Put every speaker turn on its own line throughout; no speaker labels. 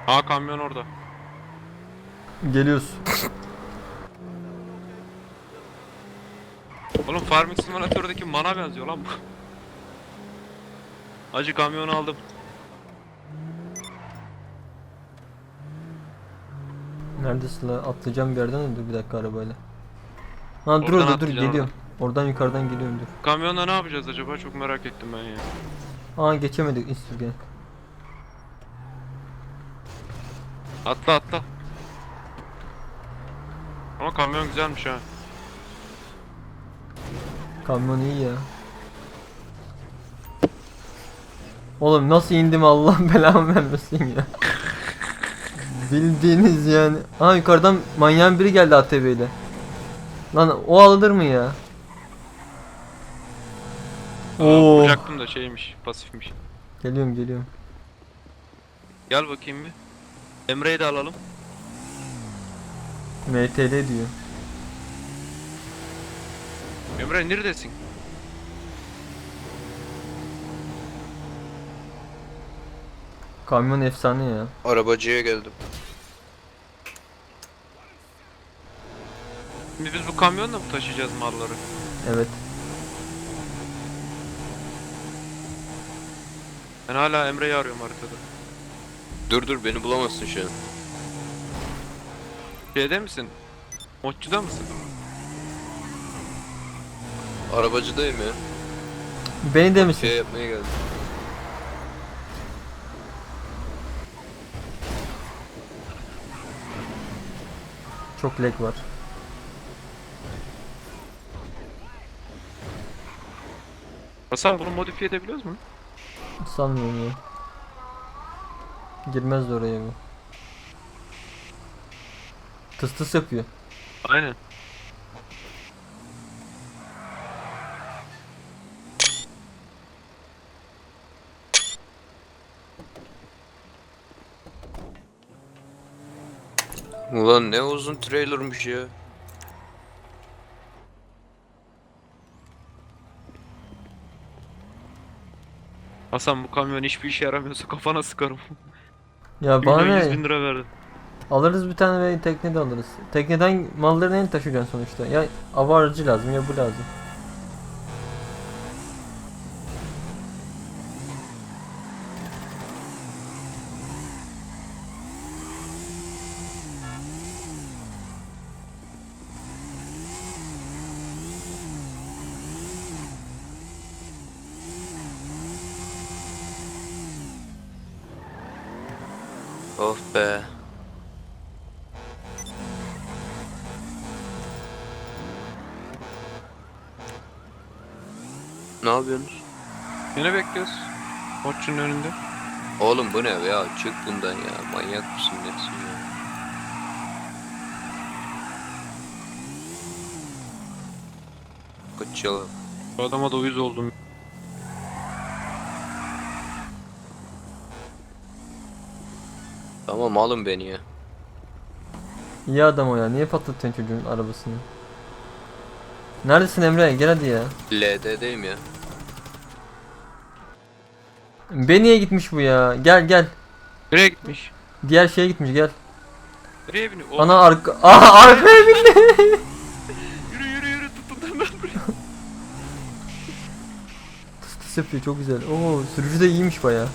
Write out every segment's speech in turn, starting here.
Aa, kamyon orada.
Geliyoruz.
Oğlum Farming Simulator'daki mana benziyor lan bu. Acı kamyonu aldım.
Neredesin la? Atlayacağım bir yerden de dur bir dakika arabayla. Ha dur
Oradan
orada dur
atlayacaksın oradan.
geliyorum. Oradan yukarıdan geliyorum dur.
Kamyonla ne yapacağız acaba? Çok merak ettim ben ya.
Aa geçemedik İstirgen.
Atla atla. Ama kamyon güzelmiş ha.
Kamyon iyi ya. Oğlum nasıl indim Allah belamı vermesin ya. Bildiğiniz yani. Aa yukarıdan manyağın biri geldi ATV ile. Lan o alınır mı ya?
Aa,
Oo.
vuracaktım da şeymiş, pasifmiş.
Geliyorum geliyorum.
Gel bakayım bir. Emre'yi de alalım.
MTL diyor.
Emre neredesin?
Kamyon efsane ya.
Arabacıya geldim.
Şimdi biz bu kamyonla mı taşıyacağız malları?
Evet.
Ben hala Emre'yi arıyorum haritada.
Dur beni bulamazsın şu an.
Şeyde misin? Modcuda mısın?
Arabacıdayım ya.
Beni de misin?
Şey yapmaya geldim.
Çok lag var.
Hasan, bunu modifiye edebiliyoruz mu?
Sanmıyorum ya. Girmez de oraya bu. Tıs tıs yapıyor.
Aynen.
Ulan ne uzun trailermış ya.
Hasan, bu kamyon hiçbir işe yaramıyorsa kafana sıkarım.
Ya bana
Milyon yüz
ne?
bin lira verdim.
Alırız bir tane ve tekne de alırız. Tekneden malları neyle taşıyacaksın sonuçta? Ya hava aracı lazım ya bu lazım.
Of be. Ne yapıyorsunuz?
Yine bekliyoruz. Modcunun önünde.
Oğlum bu ne ya? Çık bundan ya. Manyak mısın nesin ya? Kaç yalan.
Bu adama da uyuz oldum.
Tamam alın beni ya.
İyi adam o ya. Niye patlatıyorsun çocuğun arabasını? Neredesin Emre? Gel hadi ya.
LD'deyim ya.
Beniye gitmiş bu ya. Gel gel.
Nereye gitmiş?
Diğer şeye gitmiş gel.
Nereye biniyor?
Ana arka... Aha arkaya bindi.
Yürü yürü yürü, tutun lan buraya.
Tıs tıs yapıyor çok güzel. Oo sürücü de iyiymiş baya.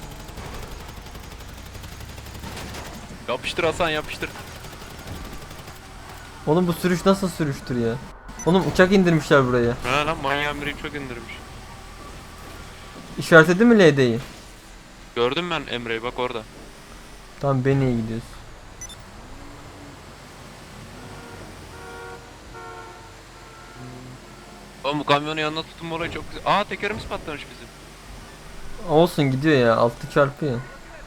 Yapıştır Hasan, yapıştır.
Oğlum bu sürüş nasıl sürüştür ya? Oğlum uçak indirmişler buraya.
Ha lan, manyağın biri çok indirmiş.
İşaretledin mi LD'yi?
Gördüm ben Emre'yi, bak orada.
Tamam Beniye gidiyoruz.
Oğlum bu kamyonu yanına tutun, olayı çok güzel. Aa, tekerimiz patlamış bizim.
Olsun gidiyor ya 6 çarpıyor.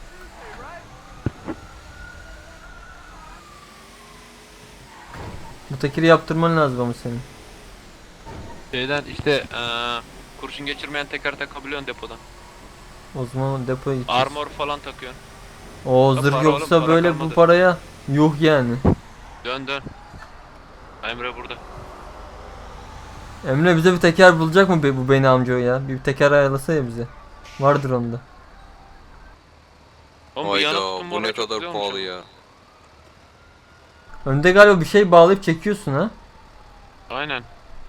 Bu tekeri yaptırman lazım ama senin.
Şeyden işte kurşun geçirmeyen teker takabiliyorsun depodan.
O zaman depoya gideceğiz.
Armor falan takıyorsun.
O
Ya
zırh
para
yoksa
oğlum, para
böyle bu
kalmadı.
paraya yuh yani.
Dön dön. Emre burada.
Emre bize bir teker bulacak mı bu beni amca o ya? Bir teker ayarlasa ya bize. Vardır onda.
Oğlum bu yanıt
Hayda bu
numara
ne
çok
kadar
güzelmiş
pahalı
ama.
ya.
Önde galiba bir şey bağlayıp çekiyorsun ha.
Aynen.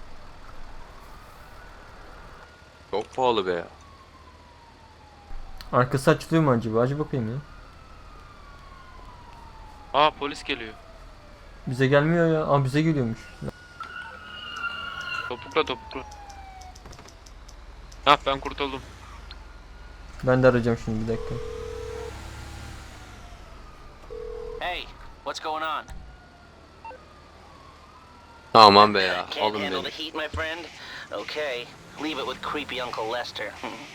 Çok pahalı be ya.
Arkası açılıyor mu acaba? Acı bakayım ya.
Aa polis geliyor.
Bize gelmiyor ya. Aa bize geliyormuş.
Topukla topukla. Hah ben kurtuldum.
Ben de arayacağım şimdi bir dakika.
Hey, what's going on?
Aman be ya.
Can't
Alın
handle
beni.
the heat, my friend? Okay, leave it with creepy Uncle Lester.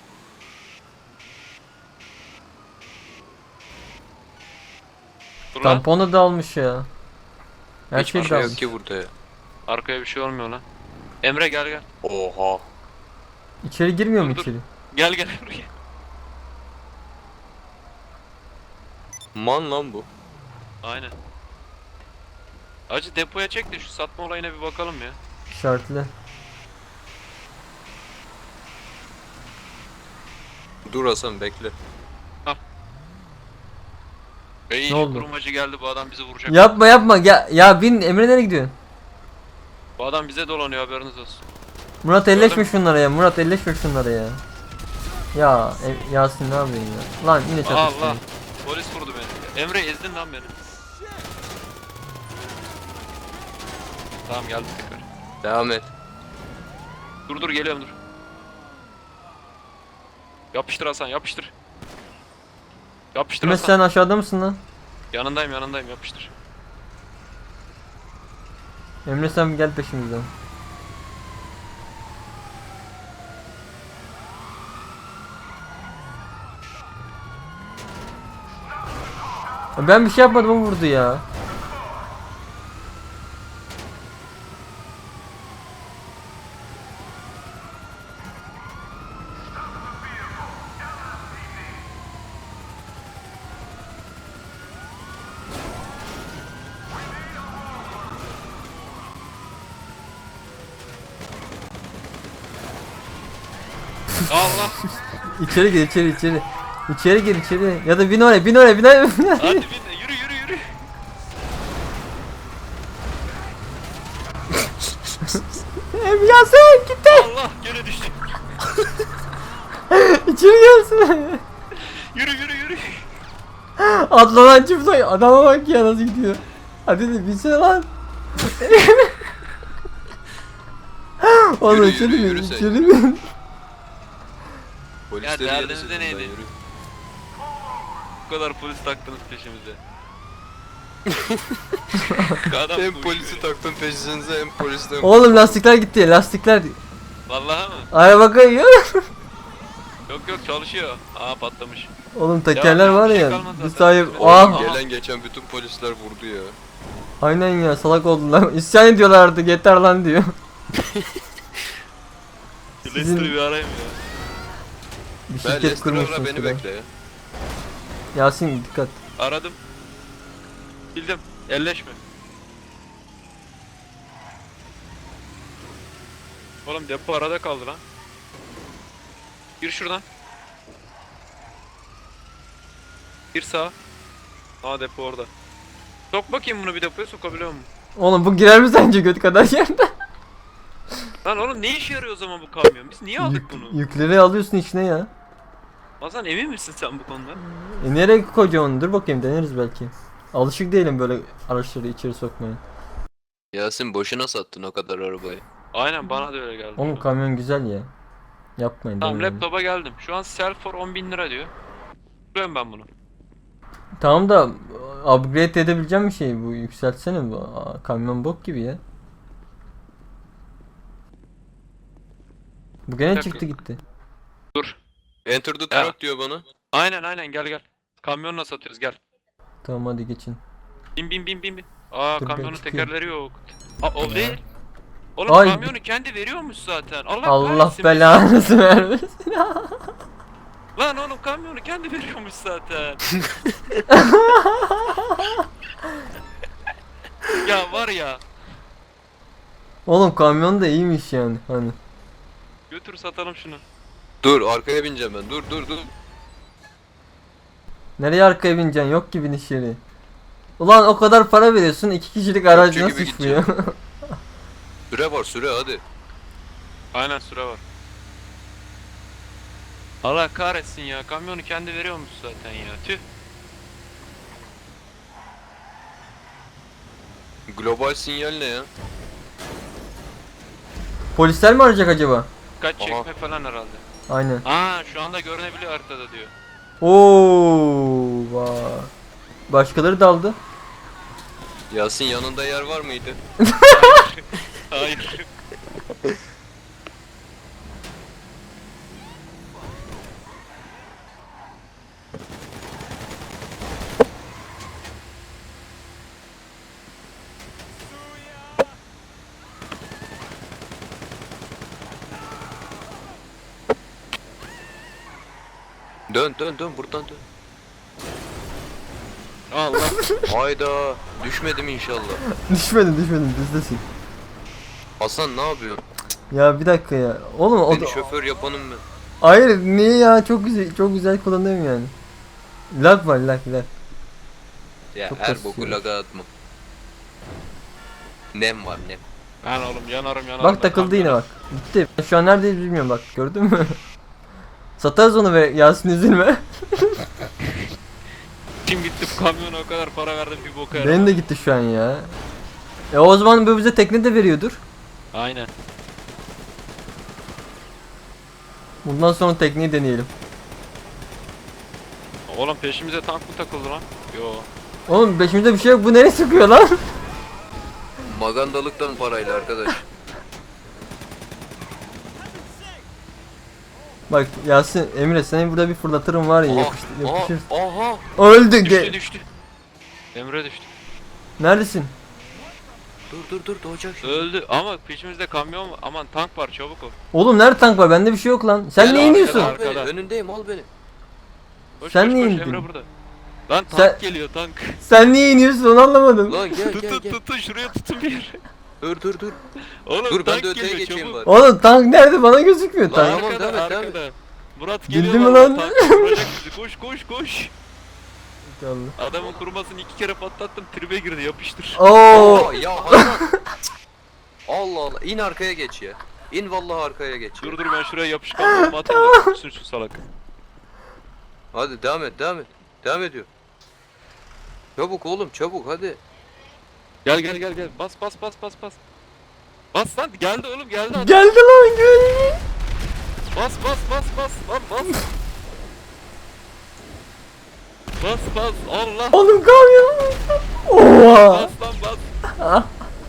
Dur lan.
Tamponu da almış ya. Her
Hiçbir
şey
şey
de
yok
almış.
ki burada ya.
Arkaya bir şey olmuyor lan. Emre gel gel.
Oha.
İçeri girmiyor mu
Dur, dur.
içeri?
Gel gel buraya.
Man lan bu.
Aynen. Acı depoya çek de şu satma olayına bir bakalım ya.
İşaretle.
Dur Hasan bekle.
İyi
Ne oldu?
kurumacı geldi, bu adam bizi vuracak.
Yapma yapma. Ya bin Emre nereye gidiyorsun?
Bu adam bize dolanıyor, haberiniz olsun.
Murat elleşme
Gördüm.
şunlara ya. Murat elleşme şunlara ya. Ya Yasin ne yapıyorsun ya? Lan yine çatıştın.
Allah. Polis vurdu beni. Emre ezdin lan beni. Tamam geldim tekrar.
Devam et.
Dur dur geliyorum dur. Yapıştır Hasan yapıştır. Yapıştır
Emre
Hasan.
sen aşağıda mısın lan?
Yanındayım yanındayım, yapıştır.
Emre sen gel peşimizden. Ben bir şey yapmadım, o vurdu ya.
Allah.
İçeri gir içeri. İçeri gir içeri. Ya da bin oraya bin oraya bin oraya.
Hadi bin de yürü yürü yürü.
Emre Yasin gitti.
Allah gene düştüm.
İçeri gelsin.
Yürü yürü yürü.
Atlanan çift sayı. Adama bak ya nasıl gidiyor. Hadi de binsene lan. Oğlum
Yürü,
içeri
yürü,
bin
yürü sen.
içeri bin.
Polisleri
Ya
yerin
derdiniz de
sesinden
neydi?
yürü.
Bu kadar polis taktınız peşimize. Adam
Hem
koşuyor
polisi
ya.
taktın peşinize hem polisten.
Oğlum lastikler gitti lastikler.
Vallahi mı?
Araba kayıyor.
Yok yok çalışıyor. Aa patlamış.
Oğlum tekerler
Ya,
var
bir şey
ya.
kalmadı
Bir
zaten.
sahip.
Oğlum,
Ah.
gel.
Gelen geçen bütün polisler vurdu ya.
Aynen ya salak oldular. İsyan ediyorlar artık yeter lan diyor.
Lester'ı bir arayayım ya.
Bir
Ben
şirket
Lester ara
kurmuşsun
beni
şurada.
bekle ya.
Yasin dikkat.
Aradım. Bildim. Elleşme. Oğlum depo arada kaldı lan. Gir şuradan. Gir sağa. Aa depo orada. Sok bakayım bunu, bir depoya sokabiliyor musun?
Oğlum bu girer mi sence göt kadar yerde?
Lan oğlum ne işe yarıyor o zaman bu kamyon? Biz niye aldık bunu?
Yükleri alıyorsun içine ya.
Hasan emin misin sen bu konuda?
Nereye koyacaksın onu? Dur bakayım deneriz belki. Alışık değilim böyle araçları içeri sokmaya.
Yasin boşuna sattın o kadar arabayı.
Aynen bana da öyle geldi.
Oğlum
şu an.
kamyon güzel ya. Yapmayın.
Tamam
denemeyin.
laptopa geldim. Şu an sell for 10.000 lira diyor. Tutuyorum ben bunu.
Tamam da upgrade edebileceğim bir şey bu, yükseltsene bu. Kamyon bok gibi ya. Bu gene
Bir dakika.
çıktı gitti.
Dur.
Enter the
Ya.
truck diyor bana.
Aynen gel gel. Kamyonla satıyoruz gel.
Tamam hadi geçin.
Bin bin bin bin bin. Aa
Dur, ben
kamyonun
çıkayım.
tekerleri yok. Aa o değil. Oğlum
Ay.
kamyonu kendi veriyormuş zaten. Allah,
Allah
kahretsin.
belanızı vermesin.
Lan oğlum kamyonu kendi veriyormuş zaten. Ya var ya.
Oğlum kamyon da iyiymiş yani hani.
Götür satalım şunu.
Dur arkaya bineceğim ben. Dur.
Nereye arkaya bineceksin? Yok ki biniş yeri. Ulan o kadar para veriyorsun 2 kişilik araç
Topçu
nasıl
gibi
çıkmıyor?
Süre var süre hadi.
Aynen süre var. Allah kahretsin ya. Kamyonu kendi veriyormuş zaten ya. Tüh.
Global sinyal ne ya?
Polisler mi arayacak acaba?
Kaç
Aha.
çekme falan herhalde.
Aynen.
Aa şu anda görünebiliyor haritada diyor.
Oo, vay. Başkaları daldı.
Yasin yanında yer var mıydı?
Hayır.
Dön dön dön buradan dön.
Allah.
Hayda düşmedim inşallah.
Düşmedin bizdesin.
Hasan ne yapıyorsun?
Ya bir dakika ya. Oğlum o da...
Beni şoför yapanım ben.
Hayır niye ya çok güzel kullanıyorum yani. Lag var lag.
Ya
Çok
her
kasıyor.
boku laga atma. Nem var nem.
Ben oğlum yanarım.
Bak takıldı yine bak. Gitti. Şu an neredeyiz bilmiyorum bak gördün mü? Satarız onu ve Yasin üzülme.
Kim gitti bu kamyona o kadar para verdim bir boka yaramaz.
Benim de gitti şu an ya. O zaman bu bize tekne de veriyordur.
Aynen.
Bundan sonra tekneyi deneyelim.
Oğlum peşimize tank mı takıldı lan? Yo.
Oğlum peşimizde bir şey yok bu nereye sıkıyor lan?
Magandalıktan parayla arkadaş.
Bak Yasin Emre seni burada bir fırlatırım var ya
Aha,
yapışır.
aha.
Öldü
Düştü. Emre düştü.
Neredesin?
Dur doğacak şimdi.
Öldü ama peşimizde kamyon var. Aman tank var çabuk ol.
Oğlum nerede tank var? Bende bir şey yok lan. Sen
Gel
niye
arkada,
iniyorsun?
al beni,
Arkada.
önündeyim al beni.
Koş,
Sen
koş,
niye
koş,
indin?
Emre burada. Lan tank
Sen-
geliyor tank.
Sen niye iniyorsun onu anlamadım.
Lan gel
Tutun şuraya tutun bir yere.
Dur.
Oğlum
Dur ben
tank
de öteye
geliyor,
geçeyim
çabuk.
bari.
Oğlum tank nerede? Bana gözükmüyor
Lan
tank.
tamam,
Arkada,
devam et.
arkada. Murat
Bildin
geliyor
mi
vallahi,
lan?
tank vuracak bizi. Koş.
Allah.
Adamın kurumasını 2 kere patlattım tribe girdi yapıştır.
Oo.
Aa, ya Hasan. Allah in arkaya geç ya. İn vallahi arkaya geç ya.
Dur ben şuraya yapışkan bomba atayım da tutsun şu salak.
Hadi devam et. Devam ediyor. Çabuk oğlum çabuk hadi.
Gel. Bas. Bas lan geldi oğlum geldi adam.
Geldi lan geldi.
Bas lan bas. Bas Allah.
Oğlum kamyon. Oha.
Bas lan bas.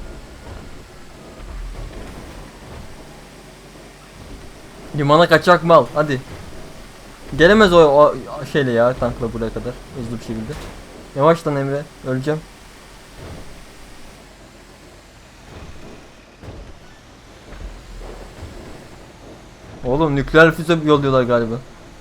Limana kaçak mal hadi. Gelemez o şeyle ya tankla buraya kadar hızlı bir şekilde. Yavaş lan Emre öleceğim. Oğlum nükleer füze yolluyorlar galiba.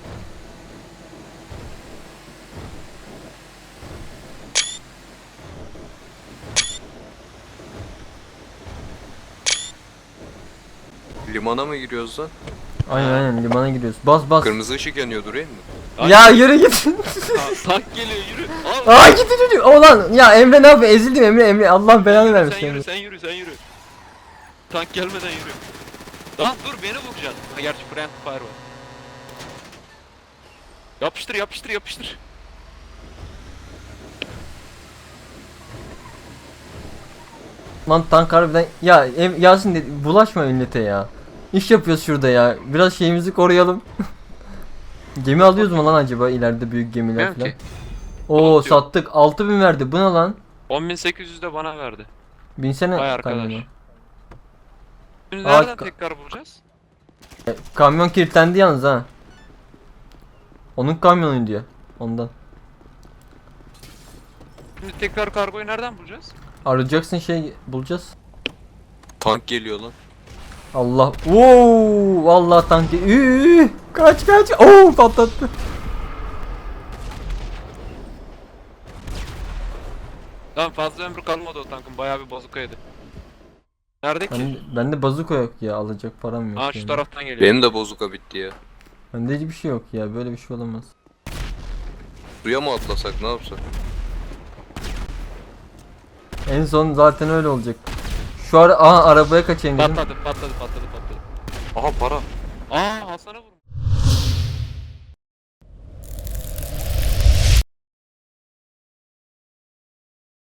Limana mı giriyoruz lan?
Aynen limana gidiyoruz. Bas.
Kırmızı ışık yanıyor durayım mı?
Ya yürü git.
Tank geliyor yürü. Al.
Aa gitti çocuk. Ulan ya Emre ne yapıyor? Ezildim Emre. Allah belanı vermiş.
Sen yürü. Tank gelmeden yürü. Lan dur beni vuracaksın. Ha gerçi friend fire var. Yapıştır.
Lan tank harbiden ya Yasin dedi, bulaşma millete ya. İş yapıyoruz şurada ya. Biraz şeyimizi koruyalım. Gemi alıyoruz mu lan acaba ileride büyük gemiler
Bilmiyorum
falan?
ki.
Oo
Yok.
sattık 6000 verdi. Bu ne lan?
10.800 de bana verdi.
Binsene
Vay arkadaş.
kamyona.
Şimdi
Aa,
nereden tekrar bulacağız?
Kamyon kilitlendi yalnız ha. Onun kamyonu diyor. Ondan.
Şimdi tekrar kargoyu nereden bulacağız?
Arayacaksın şey bulacağız.
Tank geliyor lan.
Allah. Oo vallahi tank. Kaç. Oo patlattı.
Lan fazla ömrü kalmadı o tankın bayağı bir bozuk yedi. Nerede ki?
Bende bazuka yok ya alacak param yok.
Aa şu
yani.
taraftan geliyor.
Benim de bozuka bitti ya.
Bende hiçbir şey yok ya böyle bir şey olamaz.
Suya mı atlasak ne yapsak?
En son zaten öyle olacak. Şu ara arabaya kaçayım dedim.
Patladı.
Aha para.
Aa Hasan'a vurmuş.